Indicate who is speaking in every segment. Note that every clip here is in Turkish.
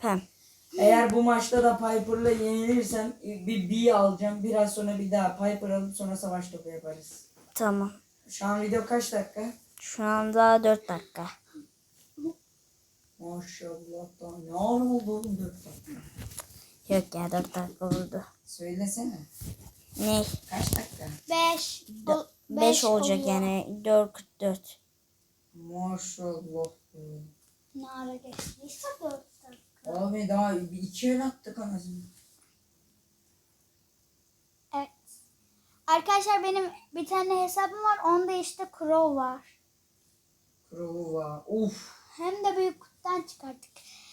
Speaker 1: Hem.
Speaker 2: Eğer bu maçta da Piper'la yenilirsem bir B alacağım. Biraz sonra bir daha Piper alıp sonra savaş topu yaparız.
Speaker 1: Tamam.
Speaker 2: Şu an video kaç dakika?
Speaker 1: Şu anda 4 dakika.
Speaker 2: Maşallah da ne ara oldu 4 dakika?
Speaker 1: Yok ya 4 dakika oldu.
Speaker 2: Söylesene.
Speaker 1: Ne?
Speaker 2: Kaç dakika?
Speaker 3: 5.
Speaker 1: 5 olacak yani 4:44.
Speaker 2: Maşallah.
Speaker 3: Ne ara geçtiyse 4 dakika.
Speaker 2: Abi daha 2 el attık anasını.
Speaker 3: Evet. Arkadaşlar benim bir tane hesabım var. Onda işte Crow var.
Speaker 2: Krova. Uf.
Speaker 3: Hem de büyük kutudan çıkarttık.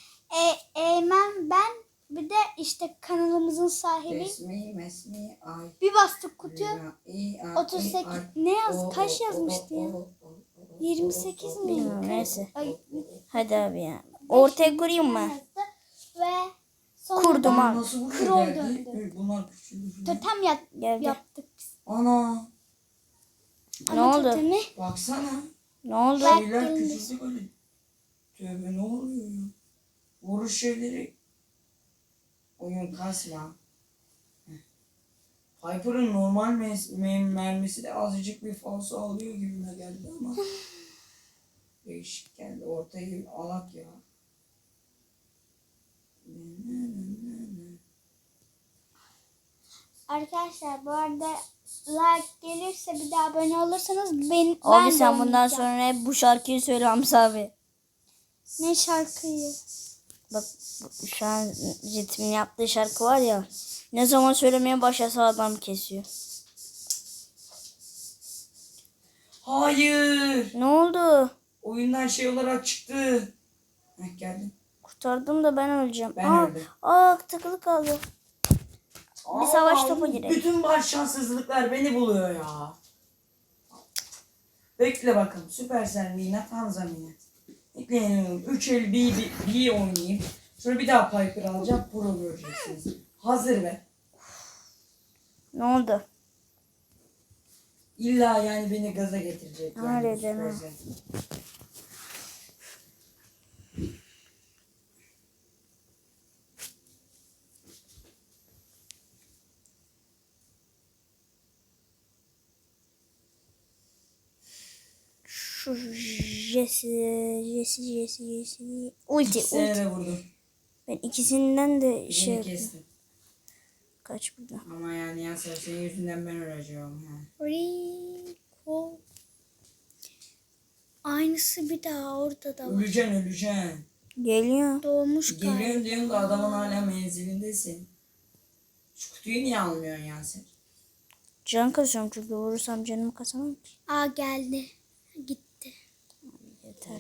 Speaker 3: Ben bir de işte kanalımızın sahibi.
Speaker 2: Mesmi ay.
Speaker 3: Bir bastık kutuya.
Speaker 2: Ay,
Speaker 3: 38. Ne yaz? Kaç yazmıştı ya? 28 mi?
Speaker 1: Bilmiyorum, neyse.
Speaker 3: Ay,
Speaker 1: Hadi abi ya. Ortaya kurayım mı?
Speaker 3: Ve sonra
Speaker 1: Kurdum
Speaker 3: da
Speaker 1: abi.
Speaker 2: Nasıl buraya
Speaker 3: Krov
Speaker 2: geldi?
Speaker 3: döndü.
Speaker 2: Bunlar küçüldü.
Speaker 3: totem
Speaker 1: Geldi.
Speaker 3: yaptık biz.
Speaker 2: Ana.
Speaker 1: Ne
Speaker 3: Ama
Speaker 1: oldu?
Speaker 3: totemi
Speaker 2: Baksana.
Speaker 1: Ne oldu?
Speaker 2: Şeyler
Speaker 3: geldi.
Speaker 2: küçüldü böyle. Tövbe ne oluyor ya? Vuruş şeyleri. Oyun kasma. Heh. Piper'ın normal mermisi de azıcık bir falso alıyor gibime geldi ama. Değişik geldi. Ortayı alak ya.
Speaker 3: Arkadaşlar bu arada like gelirse bir de abone olursanız ben
Speaker 1: Abi
Speaker 3: de
Speaker 1: sen bundan
Speaker 3: oynayacağım.
Speaker 1: sonra hep bu şarkıyı söyle Hamza abi.
Speaker 3: Ne şarkıyı?
Speaker 1: Bak şu an Ritmin yaptığı şarkı var ya. Ne zaman söylemeye başlasa adam kesiyor.
Speaker 2: Hayır.
Speaker 1: Ne oldu?
Speaker 2: Oyundan şey olarak çıktı. Heh, geldim.
Speaker 1: Kurtardım da ben öleceğim.
Speaker 2: Ben öldüm.
Speaker 1: Takılı kaldı. Bir savaş topu girelim.
Speaker 2: Bütün baş şanssızlıklar beni buluyor ya. Bekle bakalım. Süpersel minnet, Hanza minnet. Bekleyin. 3 el bir oynayayım. Sonra bir daha Piper alacağım. Pro göreceksiniz. Hazır be.
Speaker 1: Ne oldu?
Speaker 2: İlla yani beni gaza getirecek. Yani
Speaker 1: Harbiden ha.
Speaker 2: Süpersel.
Speaker 1: Şu Jesse. Ulti.
Speaker 2: Sene de vurdum.
Speaker 1: Ben ikisinden de
Speaker 2: Beni
Speaker 1: şey yaptım.
Speaker 2: kestim.
Speaker 1: Kaç burada?
Speaker 2: Ama yani ya senin yüzünden ben öleceğim. Ha.
Speaker 3: Rico. Aynısı bir daha orada da var.
Speaker 2: Öleceksin.
Speaker 1: Geliyor.
Speaker 3: Doğmuş galiba.
Speaker 2: Geliyorum diyorsun da adamın hala menzilindesin. Şu kutuyu niye almıyorsun ya sen?
Speaker 1: Can kasıyorum çünkü vurursam canımı kasamam ki.
Speaker 3: Geldi. Gitti.
Speaker 1: Yeter.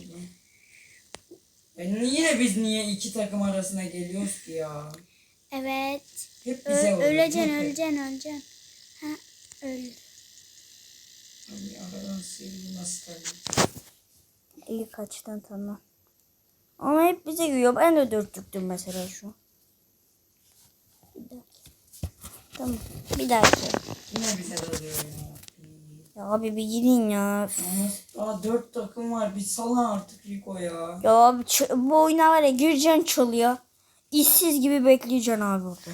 Speaker 2: Yine biz niye iki takım arasına geliyoruz ki ya?
Speaker 3: Evet.
Speaker 2: Hep bize oluyor.
Speaker 3: Öleceksin. Ha, öldü.
Speaker 2: Hani aradan sıyrılmaz tabii.
Speaker 1: İyi kaçtan tamam. Ama hep bize gülüyor. Ben de dörtlüktüm mesela şu an. Bir daha. Tamam. Bir daha.
Speaker 2: Yine bize dalıyor ya.
Speaker 1: Ya abi bir gidin ya.
Speaker 2: Daha 4 takım var. Bir salın artık Rico ya.
Speaker 1: Ya abi bu oyuna var ya gireceksin çalıyor. İşsiz gibi bekleyeceksin abi orada.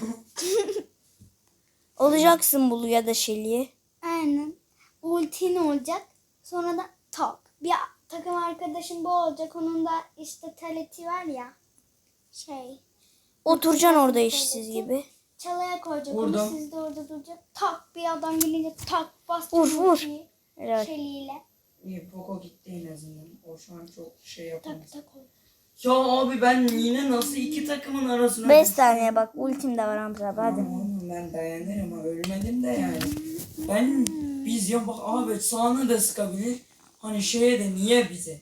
Speaker 1: Olacaksın Bulu ya da Shelly'ye.
Speaker 3: Aynen. Ultin olacak. Sonra da top. Bir takım arkadaşım bu olacak. Onun da işte taleti var ya.
Speaker 1: Oturacaksın orada işsiz gibi.
Speaker 3: Çalaya koyacak.
Speaker 2: Vurdum.
Speaker 3: Onu siz de orada duracak. Tak bir adam gelince tak bastı.
Speaker 1: Vur. Evet.
Speaker 3: Şeliyle.
Speaker 2: İyi Poco gitti en azından. O şu an çok şey yapamaz.
Speaker 3: Tak ol.
Speaker 2: Ya abi ben yine nasıl iki takımın arasına
Speaker 1: 5
Speaker 2: düştüm?
Speaker 1: saniye bak ultim de var Hamza abi hadi.
Speaker 2: Tamam, ben dayanırım ama ölmedim de yani. Biz ya bak abi sağını da sıkabilir. Hani şeye de niye bize?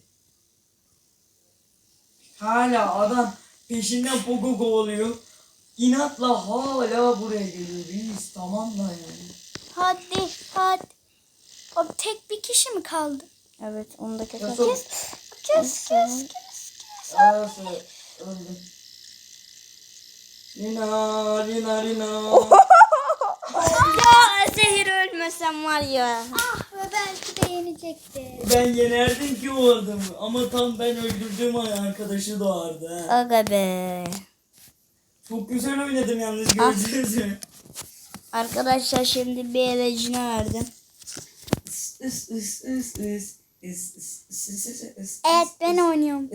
Speaker 2: Hala adam peşinden Pogo oluyor. İnatla hala buraya geliyor. Biz tamam da yani.
Speaker 3: Hadi. O tek bir kişi mi kaldı?
Speaker 1: Evet onu da keser.
Speaker 2: Nasıl?
Speaker 3: Kes.
Speaker 2: Arası öldüm. Lina.
Speaker 1: Ya zehir ölmesem var ya.
Speaker 3: Ve belki de yenecekti.
Speaker 2: Ben yenerdim ki o adamı ama tam ben öldürdüğüm arkadaşı doğardı. Ha.
Speaker 1: Aga be.
Speaker 2: Çok güzel oynadım yalnız
Speaker 1: Ah.
Speaker 2: gördünüz mü?
Speaker 1: Arkadaşlar şimdi bir elecine verdim.
Speaker 3: Evet ben oynuyorum.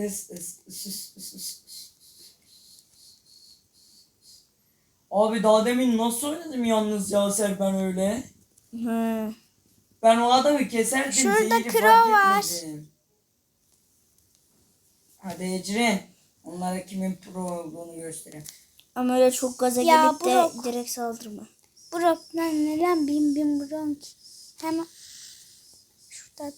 Speaker 2: Abi daha demin nasıl oynadım yalnız ya ben öyle?
Speaker 1: Hı.
Speaker 2: Ben o adamı keserdim.
Speaker 3: Şurada
Speaker 2: zehri
Speaker 3: kro
Speaker 2: fark
Speaker 3: var.
Speaker 2: etmedim. Hadi Ecrin. Onlara kimin pro olduğunu göstereyim.
Speaker 1: Ama öyle çok gaza
Speaker 3: Ya,
Speaker 1: gelip de
Speaker 3: Brock.
Speaker 1: direkt saldırma.
Speaker 3: Brock lan neden bin Brock? Hemen şurada.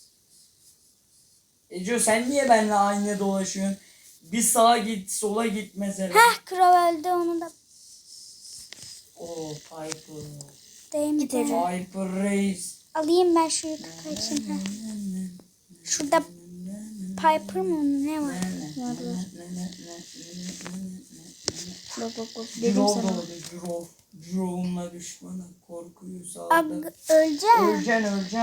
Speaker 2: Eco sen niye benimle aynı dolaşıyorsun? Bir sağa git, sola git mesela.
Speaker 3: Heh Crow öldü onu da
Speaker 2: Oo, Piper.
Speaker 3: değmedi.
Speaker 2: Piper Reis.
Speaker 3: Alayım ben şu yukarı kaçayım. Heh. Şurada Piper mı ne var?
Speaker 1: Bak bak bak dedim
Speaker 2: Drove
Speaker 1: sana.
Speaker 2: doğdu, Drove. Drove'unla düşmana korkuyu
Speaker 3: Ag
Speaker 2: sağladı.
Speaker 3: öleceğim.
Speaker 2: Öleceksin.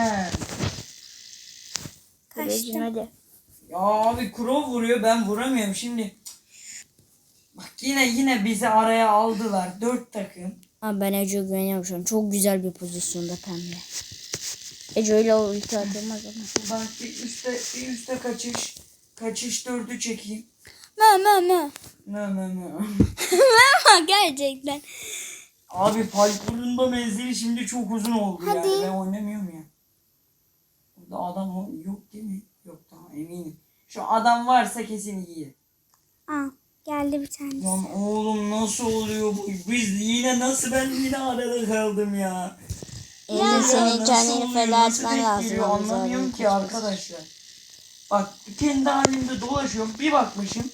Speaker 1: Elecine hadi.
Speaker 2: Ya abi Crow vuruyor ben vuramıyorum şimdi. Bak yine bizi araya aldılar. 4 takım.
Speaker 1: Ama ben Ece güveniyorum şu an. Çok güzel bir pozisyonda pembe. Ece öyle ulti atılmaz ama.
Speaker 2: Bak bir üstte kaçış. Kaçış 4'ü çekeyim.
Speaker 3: Mö.
Speaker 2: Ne.
Speaker 3: Gerçekten.
Speaker 2: Abi Piper'ın da menzili şimdi çok uzun oldu
Speaker 3: Hadi.
Speaker 2: yani. Ben oynamıyorum ya. Burada adam yok değil mi? Yok tamam eminim. Şu adam varsa kesin iyi.
Speaker 3: Aa, geldi bir tane.
Speaker 2: Lan oğlum nasıl oluyor bu? Ben yine arada kaldım ya.
Speaker 1: Ece
Speaker 2: Ya
Speaker 1: senin
Speaker 2: nasıl
Speaker 1: kendini
Speaker 2: oluyor,
Speaker 1: feda
Speaker 2: nasıl
Speaker 1: etmen
Speaker 2: denk
Speaker 1: lazım.
Speaker 2: geliyor
Speaker 1: yalnız
Speaker 2: anlamıyorum
Speaker 1: abi.
Speaker 2: ki arkadaşlar. Bak kendi halimde dolaşıyorum bir bakmışım.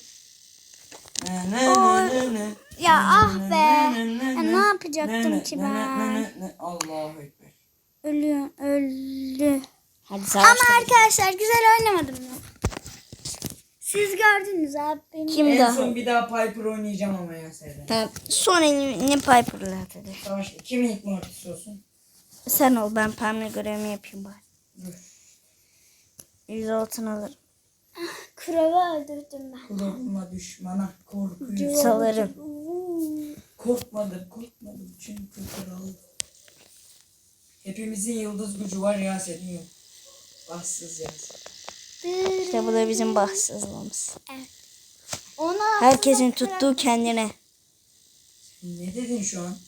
Speaker 2: Ne.
Speaker 3: Ya ah be. Ya ne yapacaktım ki ben?
Speaker 2: Allahu Ekber.
Speaker 3: Öldü.
Speaker 1: Hadi
Speaker 3: Ama
Speaker 1: savaş.
Speaker 3: arkadaşlar güzel oynamadım mı? Siz gördünüz abi benim.
Speaker 1: Kim
Speaker 2: En
Speaker 1: daha?
Speaker 2: son bir daha Piper oynayacağım ama ya Seyden.
Speaker 1: Tamam. Son elini Piper'la at hadi.
Speaker 2: Savaş kim ilk mortis olsun?
Speaker 1: Sen ol ben pembe görevimi yapayım bari.
Speaker 2: Dur.
Speaker 1: 100 altın alırım.
Speaker 3: Kral'ı öldürdüm ben.
Speaker 2: Kulağıma düşmana korkuyu
Speaker 1: Salarım.
Speaker 2: Korkmadım çünkü kral. Hepimizin yıldız gücü var ya senin yok. Bahtsız ya.
Speaker 1: İşte bu da bizim bahtsızlığımız.
Speaker 3: Ona
Speaker 1: Herkesin tuttuğu kendine.
Speaker 2: Ne dedin şu an?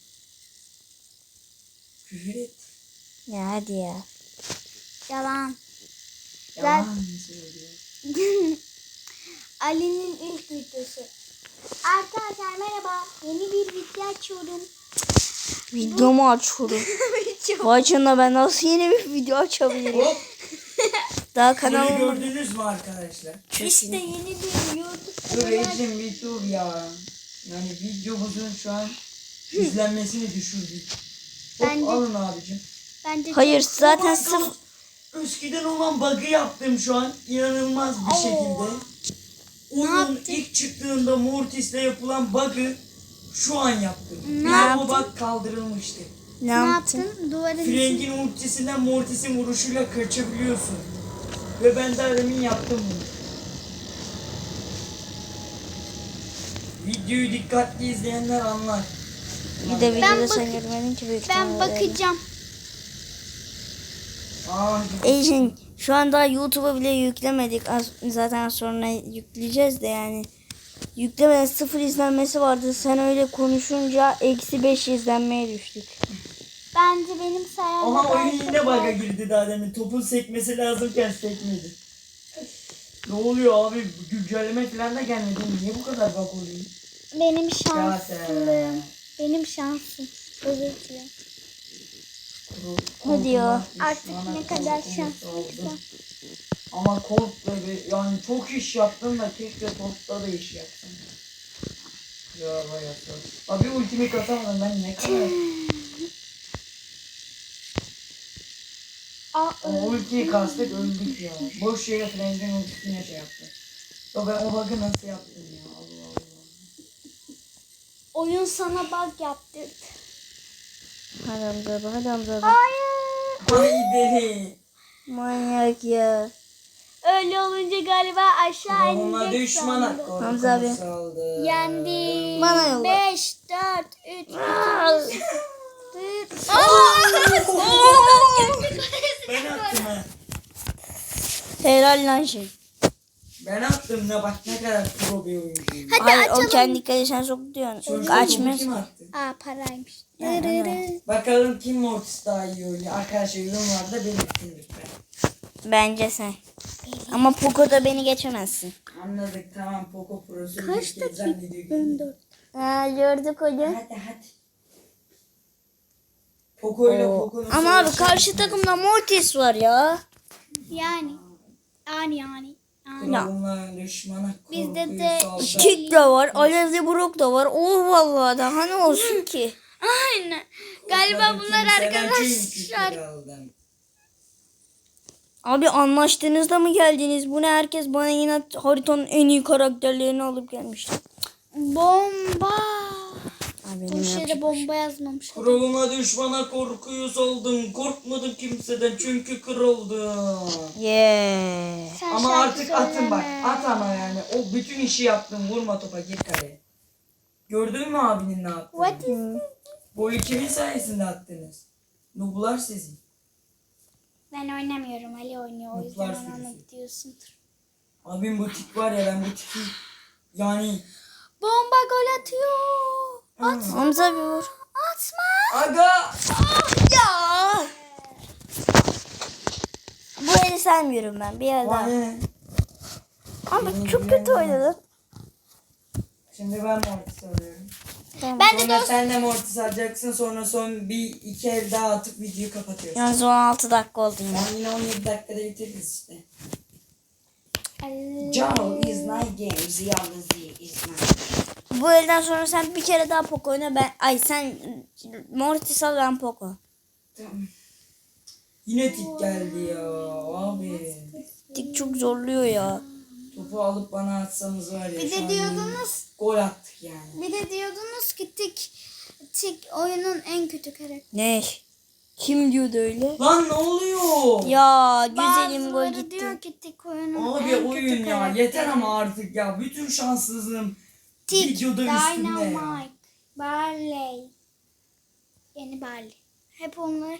Speaker 2: Küfür et.
Speaker 1: Ya hadi ya.
Speaker 3: yalan.
Speaker 2: Yalan mı söylüyor?
Speaker 3: Ali'nin ilk videosu. Arkadaşlar merhaba. Yeni bir video açıyorum.
Speaker 1: Videomu açıyorum. Vay canına ben nasıl yeni bir video açabilirim?
Speaker 2: Hop.
Speaker 1: Daha
Speaker 2: Bunu
Speaker 1: kanalıma.
Speaker 2: gördünüz mü arkadaşlar?
Speaker 3: İşte yeni bir YouTube
Speaker 2: Dur
Speaker 3: kanalı.
Speaker 2: Ecim bir dur ya. Yani videomuzun şu an izlenmesini düşürdük. Hop
Speaker 3: Bence-
Speaker 2: alın abicim.
Speaker 3: Bence
Speaker 1: Hayır
Speaker 3: çok-
Speaker 1: zaten
Speaker 2: Aman
Speaker 1: sıfır.
Speaker 2: Tanrım, eskiden olan bug'ı yaptım şu an. İnanılmaz bir şekilde. Oyun
Speaker 3: yaptın?
Speaker 2: ilk çıktığında Mortis'le yapılan bug'ı şu an yaptım.
Speaker 3: Ne
Speaker 2: Yani o
Speaker 3: yaptın?
Speaker 2: bug kaldırılmıştı.
Speaker 1: Ne
Speaker 3: Ne
Speaker 1: yaptın?
Speaker 3: yaptın? Duvarın içine.
Speaker 2: Frank'in ultisinden Mortis'in vuruşuyla kaçabiliyorsun. Ve ben de demin yaptım bunu. Videoyu dikkatli izleyenler anlar.
Speaker 1: Bir de videoda
Speaker 3: bak-
Speaker 1: sen görmedin ki büyük
Speaker 3: Ben
Speaker 1: ihtimalle.
Speaker 3: bakacağım.
Speaker 1: Ejin şu an daha YouTube'a bile yüklemedik. Zaten sonra yükleyeceğiz de yani. Yüklemeden 0 izlenmesi vardı. Sen öyle konuşunca -5 izlenmeye düştük.
Speaker 3: Bence benim sayemde.
Speaker 2: Ama oyun
Speaker 3: belki
Speaker 2: yine bug'a
Speaker 3: de-
Speaker 2: girdi daha demin. Topun sekmesi lazımken sekmedi. Ne oluyor abi? Güncelleme falan da gelmedi. Niye bu kadar bug oluyor?
Speaker 3: Benim
Speaker 2: Ya
Speaker 3: şanslığım. Benim şansım. Özür dilerim.
Speaker 1: Hadi ya.
Speaker 3: Artık ne kadar şanslıysa.
Speaker 2: Ama Colt'la yani çok iş yaptın da keşke Colt'la da iş yaptın. Ya bayağı. Abi ultimate atamadım ben ne kadar. O ultiyi kastık öldük ya. Boş yere Frank'in ultisine şey yaptı. Ya ben o bug'ı nasıl yaptım ya Allah Allah.
Speaker 3: Oyun sana bug yaptırdı.
Speaker 1: Hadi Hamza abi, hadi Hamza abi.
Speaker 3: Hayır.
Speaker 2: Haydi.
Speaker 1: Manyak ya.
Speaker 3: Öyle olunca galiba aşağı
Speaker 2: Ona
Speaker 3: inecek
Speaker 2: düşmana
Speaker 3: sandım.
Speaker 1: Hamza abi.
Speaker 2: korkumu saldı.
Speaker 3: Yendim.
Speaker 1: Bana yolla.
Speaker 3: 5, 4, 3, 2,
Speaker 1: Aa!
Speaker 3: 1.
Speaker 2: Ben attım ha.
Speaker 1: Helal lan şey.
Speaker 2: Ben attım da bak ne kadar pro bir oyuncuyum.
Speaker 3: Hadi
Speaker 1: Hayır
Speaker 3: açalım.
Speaker 1: o kendi kalesine soktu diyorsun.
Speaker 2: Sonuçta
Speaker 1: Kaçmıyor.
Speaker 2: kim attı?
Speaker 3: Aa paraymış.
Speaker 2: Bakalım kim Mortis daha iyi oynuyor. Arkadaşlar yorumlarda belirtin lütfen.
Speaker 1: Bence sen. Ama Poco'da beni geçemezsin.
Speaker 2: Anladık tamam Poco Pro'su
Speaker 3: Kaç
Speaker 2: bir kez
Speaker 3: dakika?
Speaker 2: zannediyor.
Speaker 3: 14.
Speaker 1: Ha, gördük hocam.
Speaker 2: Hadi. Poco ile
Speaker 1: Oo.
Speaker 2: Poco'nun
Speaker 1: Ama abi
Speaker 2: savaşı
Speaker 1: karşı
Speaker 2: bitmez.
Speaker 1: takımda Mortis var ya.
Speaker 3: Yani.
Speaker 2: Kralına düşmana
Speaker 3: Bizde
Speaker 2: korkuyu
Speaker 3: de
Speaker 2: saldı.
Speaker 1: Kick de var. Alevli Brock da var. Oh vallahi daha ne olsun ki.
Speaker 3: Aynen. Galiba bunlar arkadaşlar.
Speaker 1: Abi anlaştığınızda mı geldiniz? Bu ne, herkes bana yine haritanın en iyi karakterlerini alıp gelmiş.
Speaker 3: Bomba.
Speaker 1: Abi benim
Speaker 3: Bu şeyde
Speaker 1: yapacak-
Speaker 3: bomba yazmamış.
Speaker 2: Kralına düşmana korkuyu saldım. Korkmadım kimseden çünkü kraldım.
Speaker 1: Yeah.
Speaker 3: Sen
Speaker 2: Ama
Speaker 3: şarkı
Speaker 2: artık atın bak.
Speaker 3: söyleme.
Speaker 2: At ama yani. O bütün işi yaptın. Vurma topa gir kaleye. Gördün mü abinin ne yaptığını?
Speaker 3: What is
Speaker 2: Golü kimin sayesinde attınız? Nublar sizin.
Speaker 3: Ben oynamıyorum. Ali oynuyor. O yüzden
Speaker 2: Mutlar
Speaker 3: ona
Speaker 2: sürüsü.
Speaker 3: gidiyorsundur.
Speaker 2: Abim bu tik var ya, ben bu tiki yani
Speaker 3: Bomba gol atıyor.
Speaker 1: Hamza bir vur.
Speaker 3: Atma.
Speaker 2: aga
Speaker 1: Ya. Bu eli sevmiyorum ben. Bir el daha.
Speaker 2: vay.
Speaker 1: Abi çok kötü oynadın.
Speaker 2: Şimdi ben Mortis alıyorum.
Speaker 1: Tamam.
Speaker 3: Ben de
Speaker 2: Sonra
Speaker 3: dost.
Speaker 2: sen de Mortis alacaksın, sonra son bir iki el daha atıp videoyu kapatıyorsun.
Speaker 1: Yalnız 16 dakika oldu yine.
Speaker 2: Ben yine 17 dakikada bitiririz işte. Joe is my games, yalnız is my.
Speaker 1: Bu elden sonra sen bir kere daha Poco oyna. Sen Mortis al, ben Poco.
Speaker 2: Tamam. Yine tik geldi ya abi.
Speaker 1: Dik çok zorluyor ya.
Speaker 2: Topu alıp bana atsanız var ya.
Speaker 3: Bir
Speaker 2: şu
Speaker 3: de
Speaker 2: an
Speaker 3: diyordunuz.
Speaker 2: gol attık yani.
Speaker 3: Bir de diyordunuz ki tik oyunun en kötü karakteri.
Speaker 1: Ne? Kim diyordu öyle?
Speaker 2: Lan ne oluyor?
Speaker 1: Ya güzelim gol
Speaker 3: Bazıları
Speaker 1: gitti.
Speaker 3: diyor ki tik oyunun
Speaker 2: Abi
Speaker 3: en
Speaker 2: oyun
Speaker 3: kötü
Speaker 2: ya
Speaker 3: karakteri.
Speaker 2: yeter ama artık ya. Bütün şanssızlığım
Speaker 3: Tik,
Speaker 2: videoda üstünde ya.
Speaker 3: Dynamite, Barley. Yeni Barley. Hep onlar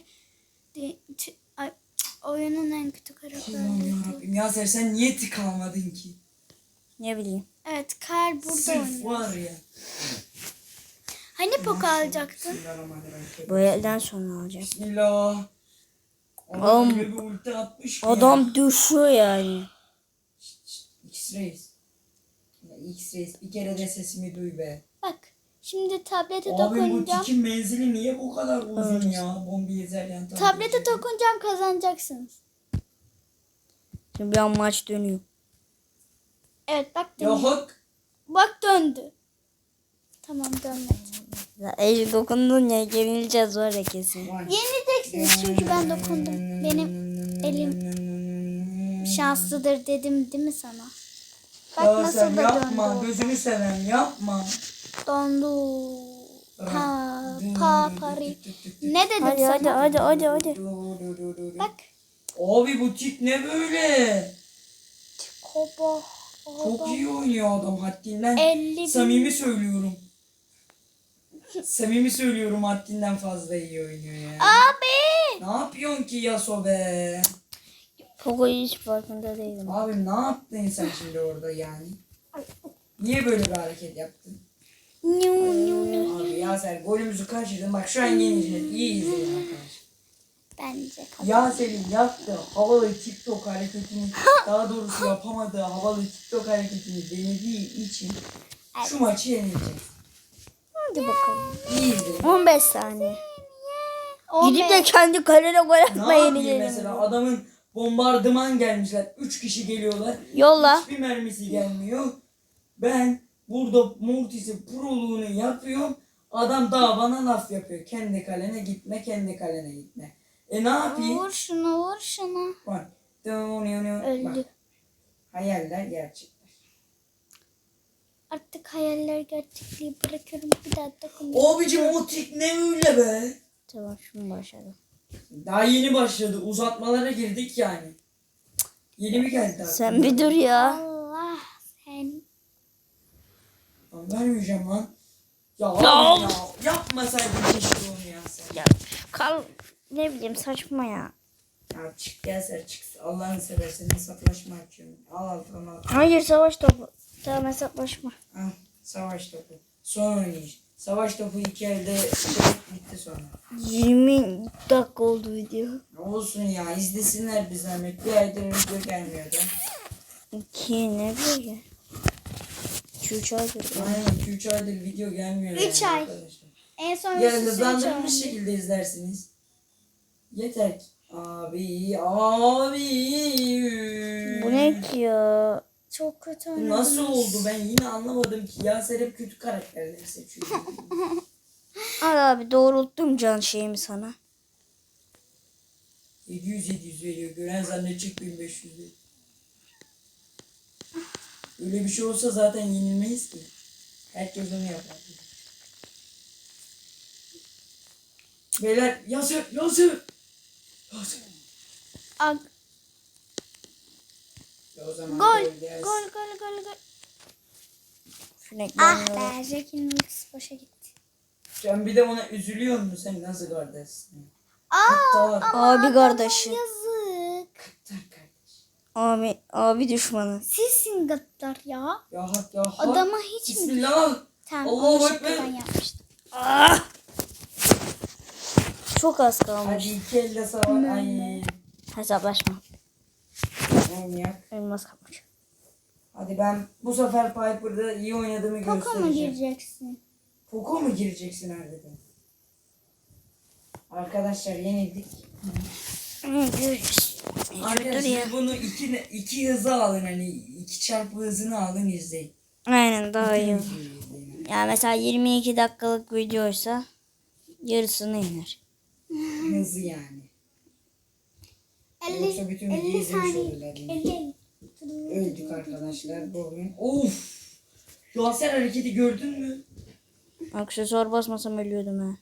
Speaker 3: oyunun en kötü
Speaker 2: Allah'ım
Speaker 3: karakteri.
Speaker 2: yarabbim. Yaser sen niye tik almadın ki?
Speaker 1: Ne bileyim.
Speaker 3: Evet, Karl burada
Speaker 2: Sırf
Speaker 3: oynuyor.
Speaker 2: var ya.
Speaker 3: Hani Poco alacaktın?
Speaker 2: Bismillahirrahmanirrahim.
Speaker 1: Bu elden sonra alacağım.
Speaker 2: Bismillah.
Speaker 1: Oğlum,
Speaker 2: Adam öyle bir ulti atmış ki ya.
Speaker 1: Adam düşüyor yani.
Speaker 2: X-Rays. Ya X-Rays bir kere de sesimi duy be.
Speaker 3: Bak, şimdi tablete
Speaker 2: Abi bu
Speaker 3: dokunacağım.
Speaker 2: tikin menzili niye bu kadar uzun ya? Bombi ezerken tabii.
Speaker 3: Tablete dokunacağım, kazanacaksınız.
Speaker 1: Şimdi bir an maç dönüyor.
Speaker 3: Evet, bak
Speaker 2: Ya
Speaker 3: döndü.
Speaker 2: hak.
Speaker 3: Bak döndü. Tamam, dönmedi.
Speaker 1: Ya, el dokundun ya, yenileceğiz var ya kesin.
Speaker 3: Yenileceksiniz çünkü ben dokundum. Benim elim şanslıdır dedim değil mi sana? Bak
Speaker 2: Ya
Speaker 3: nasıl
Speaker 2: sen
Speaker 3: da
Speaker 2: yapma.
Speaker 3: döndü.
Speaker 2: Gözünü seven yapma.
Speaker 3: Dondu. Pari. Ne dedim
Speaker 1: Hadi
Speaker 3: sana?
Speaker 1: hadi.
Speaker 3: Bak.
Speaker 2: Abi bu tik ne böyle?
Speaker 3: Kobo.
Speaker 2: Çok iyi oynuyor adam haddinden.
Speaker 3: 50
Speaker 2: Samimi söylüyorum. Samimi söylüyorum, haddinden fazla iyi oynuyor ya.
Speaker 3: Abi.
Speaker 2: Ne yapıyorsun ki Yaso be?
Speaker 1: Poco'yu hiç farkında değilim.
Speaker 2: Abi ne yaptın sen şimdi orada yani? Niye böyle bir hareket yaptın? Abi Yaser golümüzü kaçırdın. Bak şu an yeneceğiz. İyi izleyin arkadaşlar.
Speaker 3: Bence.
Speaker 2: Yaser'in yaptığı havalı TikTok hareketini, daha doğrusu yapamadığı havalı TikTok hareketini denediği için şu maçı yeneceğiz.
Speaker 1: Hadi bakalım.
Speaker 2: İyi izleyin.
Speaker 1: 15 saniye.
Speaker 3: 15.
Speaker 1: Gidip de kendi kalene gol
Speaker 2: Ne
Speaker 1: atma
Speaker 2: yapayım
Speaker 1: yenilerim.
Speaker 2: mesela, adamın bombardıman gelmişler. 3 kişi geliyorlar.
Speaker 1: Yolla.
Speaker 2: Hiçbir mermisi gelmiyor. Ben burada Mortis'in proluğunu yapıyorum. Adam daha bana laf yapıyor. Kendi kalene gitme, kendi kalene gitme. Ne yapayım?
Speaker 3: Vur şunu, vur şunu.
Speaker 2: Bak.
Speaker 3: Öldü.
Speaker 2: Bak. Hayaller gerçekler.
Speaker 3: Artık hayaller gerçekliği bırakıyorum. Bir daha dokunmayacağım.
Speaker 2: Abicim o tik ne öyle be?
Speaker 1: Tamam şunu başladım.
Speaker 2: Daha yeni başladı. Uzatmalara girdik yani. Yeni mi geldi daha?
Speaker 1: Sen bir dur ya.
Speaker 3: Allah sen.
Speaker 2: Lan vermeyeceğim lan. Ya
Speaker 1: Ya.
Speaker 2: abi ya. Yapmasaydın keşke onu ya sen.
Speaker 1: Ya ne bileyim saçma ya.
Speaker 2: Ya çık Yaser çık. Allah'ını seversen hesaplaşma açıyorum. Al tamam.
Speaker 1: Hayır savaş topu. Tamam hesaplaşma.
Speaker 2: Al savaş topu. Son oynayış. Savaş topu 2 elde bitti sonra.
Speaker 1: 20 dakika oldu video.
Speaker 2: Ne olsun ya izlesinler bir zahmet. Bir aydır video gelmiyor da.
Speaker 1: 2 ne böyle? 2-3 aydır.
Speaker 2: Aynen 2-3 aydır video gelmiyor.
Speaker 3: 3
Speaker 2: yani
Speaker 3: ay.
Speaker 2: arkadaşlar.
Speaker 3: En son
Speaker 2: Yarın
Speaker 3: üst üste üç
Speaker 2: hızlandırılmış
Speaker 3: oldu.
Speaker 2: şekilde izlersiniz. Yeter ki. Abi.
Speaker 1: Bu ne ki ya?
Speaker 3: Çok kötü
Speaker 2: Bu
Speaker 3: oynadınız.
Speaker 2: nasıl oldu ben yine anlamadım ki. Yaser hep kötü karakterleri seçiyor.
Speaker 1: Al abi doğrulttum can şeyimi sana.
Speaker 2: 700 veriyor. Gören zannedecek 1500 veriyor. Öyle bir şey olsa zaten yenilmeyiz ki. Herkes onu yapar. Beyler Yaser.
Speaker 3: Ag-
Speaker 2: Ya o zaman
Speaker 3: Gol.
Speaker 2: gol gelsin.
Speaker 3: Gol.
Speaker 1: Şuna
Speaker 3: Ah
Speaker 1: gelmiyor.
Speaker 3: be. Jack'in ultisi boşa gitti.
Speaker 2: Sen bir de ona üzülüyor musun? Sen nasıl kardeşsin?
Speaker 3: Aa,
Speaker 2: Kıttar.
Speaker 1: Abi kardeşi.
Speaker 3: yazık.
Speaker 2: Kıttar kardeş.
Speaker 1: Abi düşmanı.
Speaker 3: Sizsin gaddar ya.
Speaker 2: Ya hak ya hak.
Speaker 3: Adama hiç mi?
Speaker 2: Bismillah.
Speaker 3: Tamam
Speaker 2: Allahu
Speaker 3: onu
Speaker 2: Ekber.
Speaker 3: şıkkadan yapmıştım.
Speaker 1: Ah! Çok az kalmış.
Speaker 2: Hadi 2 elde savaş. Ay.
Speaker 1: Hesaplaşma.
Speaker 2: Manyak.
Speaker 1: Elmas kalmış.
Speaker 2: Hadi ben bu sefer Piper'da iyi oynadığımı
Speaker 3: Poco mu
Speaker 2: göstereceğim.
Speaker 3: gireceksin?
Speaker 2: Poco mu gireceksin harbiden? Arkadaşlar yenildik.
Speaker 1: Görüşürüz. Dur ya.
Speaker 2: Arkadaşlar bunu iki hızı alın hani 2 çarpı hızını alın izleyin.
Speaker 1: Aynen daha iyi.
Speaker 2: Videoyu izleyin.
Speaker 1: Ya mesela 22 dakikalık videoysa yarısını iner.
Speaker 2: Hızı yani.
Speaker 3: 50,
Speaker 2: Yoksa bütün videoyu
Speaker 3: 50
Speaker 2: izlemiş
Speaker 3: saniye.
Speaker 2: olurlar yine.
Speaker 3: 50.
Speaker 2: Öldük arkadaşlar bugün. Of! Yaser hareketi gördün mü?
Speaker 1: Aksesuar basmasam ölüyordum ha.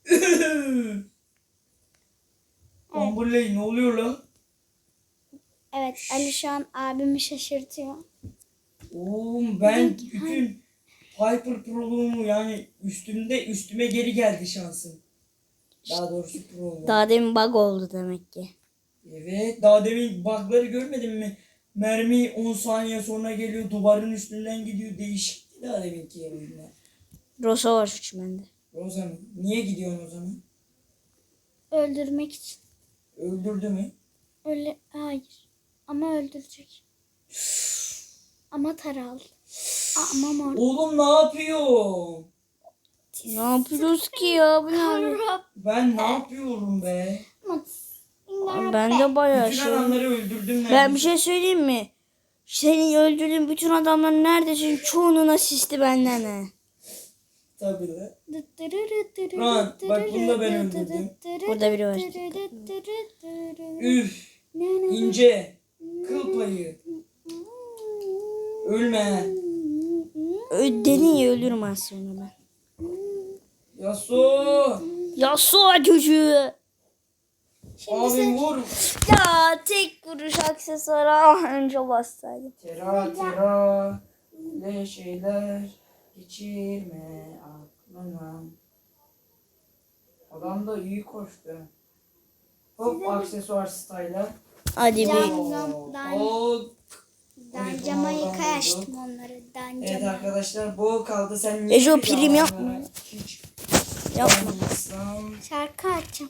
Speaker 2: Amberley ne oluyor lan?
Speaker 3: Evet Ali şu an abimi şaşırtıyor.
Speaker 2: Oğlum ben bütün Piper Pro'luğumu yani üstüme geri geldi şansım. Daha doğrusu Pro'luğum.
Speaker 1: Daha demin bug oldu demek ki.
Speaker 2: Evet daha demin bug'ları görmedin mi? Mermi 10 saniye sonra geliyor duvarın üstünden gidiyor değişikti daha deminki oyunda.
Speaker 1: Rosa var şu bende.
Speaker 2: Rosa mı? Niye gidiyorsun o zaman?
Speaker 3: Öldürmek için.
Speaker 2: Öldürdü mü?
Speaker 3: Öyle hayır. Ama öldürecek. Ama taralı. Ama mor.
Speaker 2: Oğlum ne yapıyor?
Speaker 1: Ne yapıyoruz ki ya? Bu ne?
Speaker 2: Ben ne yapıyorum be?
Speaker 1: Ben de bayağı
Speaker 2: Bütün
Speaker 1: şey.
Speaker 2: adamları öldürdüm
Speaker 1: Ben bir şey söyleyeyim mi? Senin öldürdüğün bütün adamların neredesin? Çoğunun asisti benden he.
Speaker 2: Tabii lan. Lan, bak bunu da ben öldürdüm.
Speaker 1: Burada biri var.
Speaker 2: Üf. İnce. Kıl payı. Ölme.
Speaker 1: Dedin ya ölürüm az sonra ben.
Speaker 2: Yasu.
Speaker 1: Yasuo çocuğu.
Speaker 2: Abi vur.
Speaker 1: Ya tek vuruş aksesuara önce bassaydım.
Speaker 2: Tera. Ne şeyler geçirme aklına. Adam da iyi koştu. Hop aksesuar style'a.
Speaker 1: Hadi bir.
Speaker 2: Hop.
Speaker 3: Dancamayı kaçtım onları.
Speaker 2: Evet
Speaker 3: Dancama.
Speaker 2: arkadaşlar bu kaldı. Sen niye
Speaker 1: Ejo
Speaker 2: bir
Speaker 1: prim
Speaker 2: daha
Speaker 1: yapma.
Speaker 2: onlara hiç
Speaker 1: Yapma.
Speaker 2: bakmıyorsun?
Speaker 3: Şarkı açacağım.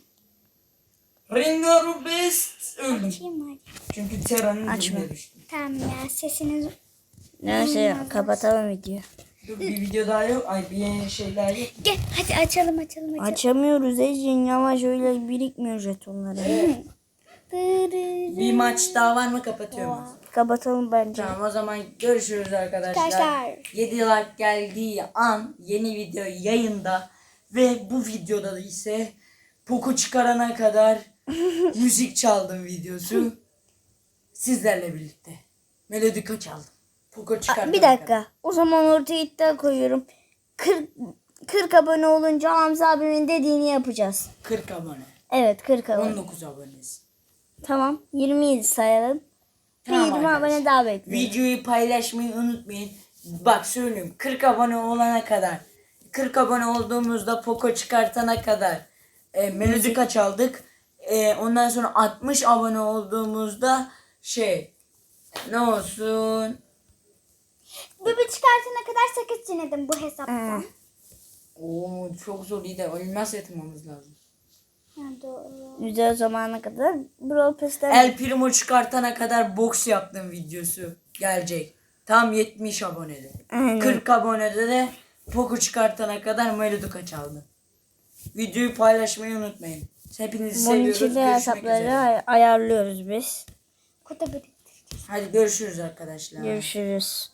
Speaker 2: Ringo Best öldüm.
Speaker 3: Açayım hadi.
Speaker 2: Çünkü Tera'nın
Speaker 1: Açma.
Speaker 2: dibine düştüm.
Speaker 3: Tamam ya sesiniz.
Speaker 1: Neyse kapatalım videoyu.
Speaker 2: Dur bir video daha yok. Ay bir şey daha yok.
Speaker 3: Gel hadi açalım.
Speaker 1: Açamıyoruz Ecin yavaş öyle birikmiyor jetonları.
Speaker 2: Bir maç daha var mı kapatıyorum.
Speaker 1: Kapatalım bence.
Speaker 2: Tamam o zaman görüşürüz arkadaşlar.
Speaker 3: Arkadaşlar.
Speaker 2: 7 like geldiği an yeni video yayında ve bu videoda da ise Poco çıkarana kadar müzik çaldım videosu sizlerle birlikte. Melodika çaldım. Poco çıkartana
Speaker 1: Bir
Speaker 2: kadar.
Speaker 1: dakika. O zaman ortaya iddia koyuyorum. 40 abone olunca Hamza abimin dediğini yapacağız.
Speaker 2: 40 abone.
Speaker 1: Evet 40 abone.
Speaker 2: 19 abonesi.
Speaker 1: Tamam 27 sayalım.
Speaker 2: Tamam
Speaker 1: 20
Speaker 2: arkadaşlar.
Speaker 1: abone daha bekliyorum.
Speaker 2: Videoyu paylaşmayı unutmayın. Bak söylüyorum 40 abone olana kadar 40 abone olduğumuzda Poco çıkartana kadar Melodika çaldık. Ondan sonra 60 abone olduğumuzda ne olsun?
Speaker 3: Bibi çıkartana kadar sakız çiğnedim bu hesaptan.
Speaker 2: Oo çok zor, iyi de elmas yatırmamız lazım.
Speaker 3: Ha, doğru.
Speaker 1: Güzel zamana kadar Brawl Pass'ten
Speaker 2: El Primo çıkartana kadar boks yaptım videosu gelecek. Tam 70 abonede.
Speaker 1: Aynen.
Speaker 2: 40 abonede de Poco çıkartana kadar Melodika çaldım. Videoyu paylaşmayı unutmayın. Hepinizi
Speaker 1: bunun
Speaker 2: seviyoruz.
Speaker 1: için de
Speaker 2: Görüşmek
Speaker 1: hesapları
Speaker 2: üzere.
Speaker 1: ayarlıyoruz biz.
Speaker 3: Kutu biriktireceğiz.
Speaker 2: Hadi görüşürüz arkadaşlar.
Speaker 1: Görüşürüz.